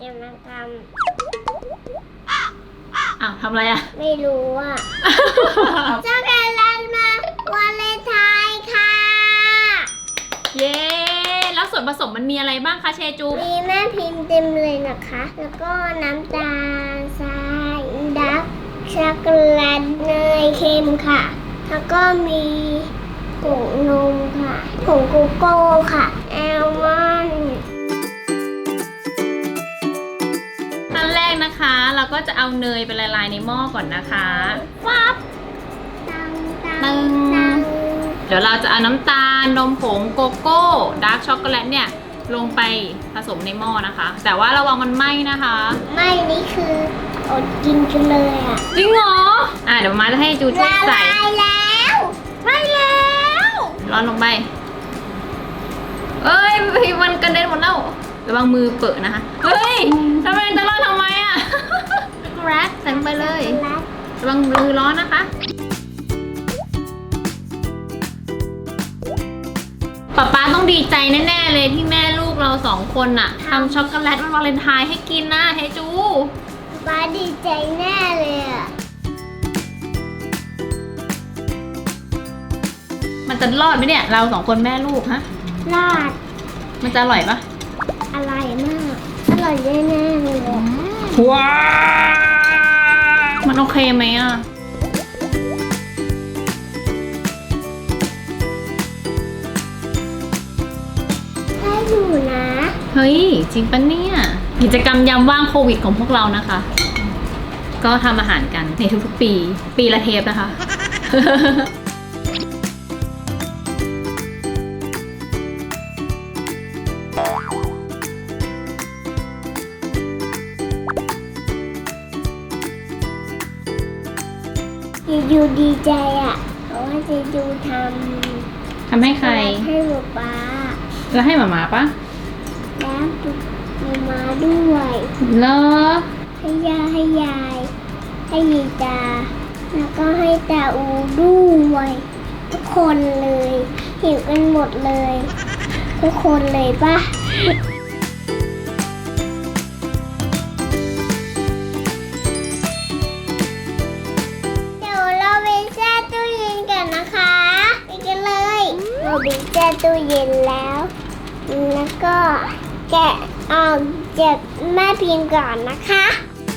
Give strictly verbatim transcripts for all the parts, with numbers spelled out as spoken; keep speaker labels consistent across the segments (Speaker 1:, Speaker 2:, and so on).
Speaker 1: จะมาท
Speaker 2: ำอ้าวทำอะไรอ่ะ
Speaker 1: ไม่รู้อ่ะช็อกโกแลตมาวาเลนไทน์ค่ะ
Speaker 2: เย้แล้วส่วนผสมมันมีอะไรบ้างคะเชจู
Speaker 1: มีแม่พิมพ์เต็มเลยนะคะแล้วก็น้ำตาลทรายดักช็อกโกแลตเนยเค็มค่ะแล้วก็มีผงนมค่ะผงโกโก้ค่ะแอลมอนด์
Speaker 2: ขั้นแรกนะคะเราก็จะเอาเนยไปละลายในหม้อก่อนนะคะฟับตึงเดี๋ยวเราจะเอาน้ำตาลนมผงโกโก้ดาร์กช็อกโกแลตเนี่ยลงไปผสมในหม้อนะคะแต่ว่าระวังมันไหม้นะคะ
Speaker 1: ไม่นี่คืออดกินกันเลยอ่ะ
Speaker 2: จริงเหรออ่ะเดี๋ยวมาจะให้จูช่วยใส่
Speaker 1: ละลายแล้วไม่แล้ว
Speaker 2: ร้อนลงไปเอ้ยมันกระเด็นหมดแล้วระวังมือเปิดนะคะเฮ้ยทำไมจะร้อนทำไมอ่ะแรดใส่ลงไปเลยระวังมือร้อนนะคะป๊าป๊าต้องดีใจแน่ๆเลยที่แม่ลูกเราสองคนน่ะทำช็อกโกแลตวันวาเลนไทน์ให้กินนะเฮจู
Speaker 1: ป๊าดีใจแน่เลยอ่ะ
Speaker 2: มันจะรอดไหมเนี่ยเราสองคนแม่ลูกฮะ
Speaker 1: รอด
Speaker 2: มันจะอร่อยปะ
Speaker 1: อร่อยมากอร่อยแน่ๆเลย
Speaker 2: ว้ามันโอเคไหมอ่ะ
Speaker 1: ได้อยู่นะ
Speaker 2: เฮ้ยจริงปะเนี่ยกิจกรรมยามว่างโควิดของพวกเรานะคะก็ทำอาหารกันในทุกๆปีปีละเทปนะคะ
Speaker 1: เจยูดีใจอ่ะเพราะว่าเจยูท
Speaker 2: ำทำให้ใคร
Speaker 1: ให้หมูป้า
Speaker 2: แล้วให้หมาหมาปะ
Speaker 1: แล้วมีมาด้วย
Speaker 2: เหรอ
Speaker 1: ให้ยาให้ยายให้ยีตาแล้วก็ให้ตาอูด้วยทุกคนเลยหิวกันหมดเลยทุกคนเลยปะเราบีบแช่ตู้เย็นแล้วแล้วก็แกะออกจากแม่พิมพ์ก่อนนะคะ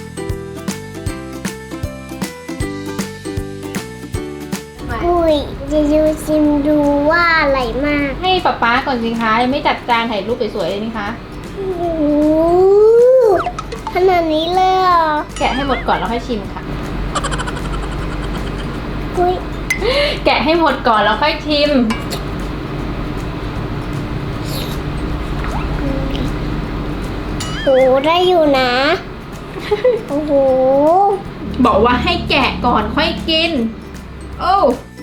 Speaker 1: อุ้ยจะดูซิมดูว่าอะไรมาก
Speaker 2: ให้ป๊าป๊าก่อนสิคะยังไม่จัดจานถ่ายรูปสวยๆเลยนี่คะ
Speaker 1: โอ้ขนาดนี้เลยเหรอ
Speaker 2: แกะให้หมดก่อนแล้วค่อยชิมค่ะ
Speaker 1: อุ้ย
Speaker 2: แกะให้หมดก่อนแล้วค่อยชิม
Speaker 1: โอ้ได้อยู่นะโอ้โห
Speaker 2: บอกว่าให้แกะก่อนค่อยกินโอ้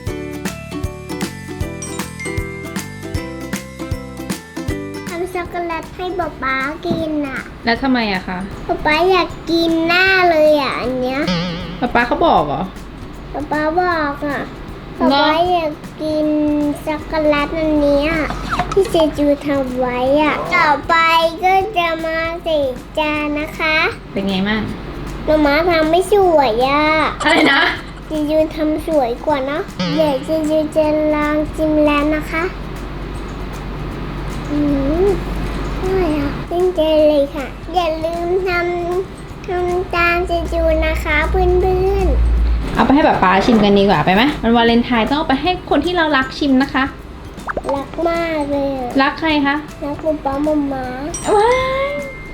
Speaker 1: ทำช็อกโกแลตให้ป๊าป๊ากินอ่ะ
Speaker 2: แล้วทำไมอะคะ
Speaker 1: ป๊าป๊าอยากกินหน้าเลยอ่ะอันเนี้ย
Speaker 2: ป๊าป๊าเขาบอกเหรอ
Speaker 1: ป๊าป๊าบอกอ่ะป๊าป๊าอยากกินช็อกโกแลตอันนี้ที่เจจูทำไว้อ่ะต่อไปก็จะมาใส่จานนะคะ
Speaker 2: เป็นไงบ้าง
Speaker 1: มาม่าทำไม่สวยอ่ะ
Speaker 2: อะไรนะ
Speaker 1: เจจูทำสวยกว่าเนาะเดี๋ยวเจจูจะลองชิมแล้วนะคะอืมอร่อยอ่ะตั้งใจเลยค่ะอย่าลืมทำทำตามเจจูนะคะเพื่อนๆ
Speaker 2: เอาไปให้ป๊าป๊าชิมกันดีกว่าไปไหมมันวาเลนไทน์ต้องเอาไปให้คนที่เรารักชิมนะคะ
Speaker 1: รักมากเลย
Speaker 2: รักใครคะ
Speaker 1: รักคุณป้ามาม่า
Speaker 2: ว้าย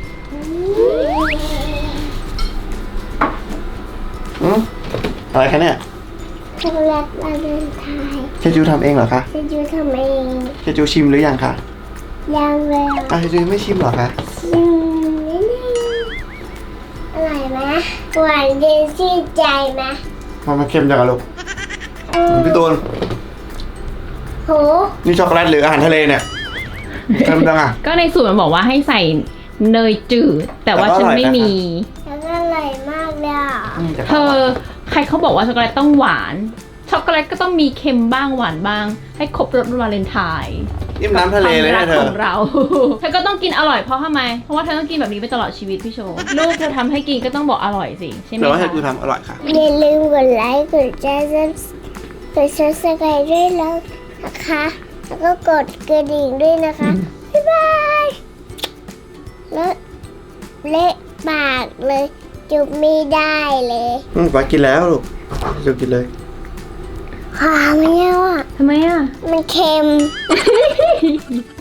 Speaker 3: อืมอะไรคะเนี่ย
Speaker 1: ช็อกโกแลตวาเลนไทน์
Speaker 3: เชจูทำเองเหรอคะ
Speaker 1: เชจูทำเอง
Speaker 3: เชจูชิมหรือยังคะ
Speaker 1: ยังเลย
Speaker 3: อ่ะเชจูไม่ชิมเหรอคะ
Speaker 1: ชิมนิดนึงอร่อยไหมหวานเย็นชื่นใจไหม
Speaker 3: มันมาเค็มจังอะลูกพี่ตูน
Speaker 1: โห
Speaker 3: นี่ช็อกโกแลตหรืออาหารทะเลเนี่ยเค็มจังอะ
Speaker 2: ก็ในสูตรมันบอกว่าให้ใส่เนยจืดแต่ว่าฉันไม่มี
Speaker 1: แล้วก็อร่อยมากเลยอ่ะ
Speaker 2: เธอใครเขาบอกว่าช็อกโกแลตต้องหวานช็อกโกแลตก็ต้องมีเค็มบ้างหวานบ้างให้ครบรสวาเลนไทน์
Speaker 3: นี่มันน้ำทะเลเลยนะเธ
Speaker 2: ควา
Speaker 3: อ
Speaker 2: มรักของเรา เธอก็ต้องกินอร่อยเพราะทำไม เพราะว่าเธอต้องกินแบบนี้ไปตลอดชีวิตพี่โชว์ลูกเธอทำให้กินก็ต้องบอกอร่อยสิใช่ไหม
Speaker 3: แต่ว่าเธ
Speaker 2: คะ
Speaker 3: อคือทำอร่อยค่ะ
Speaker 1: อย่าลืมกดไลค์กดแชร์กดซับสไครต์ด้วยแล้วนะคะ แล้วก็กดกระดิ่งด้วยนะคะ บ๊ายบายแล้วเละปากเลย จุบไม่ได้เลย
Speaker 3: อืมไปกินแล้วลูกเดี๋ยวกินเลย
Speaker 1: ความเนี้ยอ่ะ
Speaker 2: ทำไมอ่ะ
Speaker 1: มันเค็ม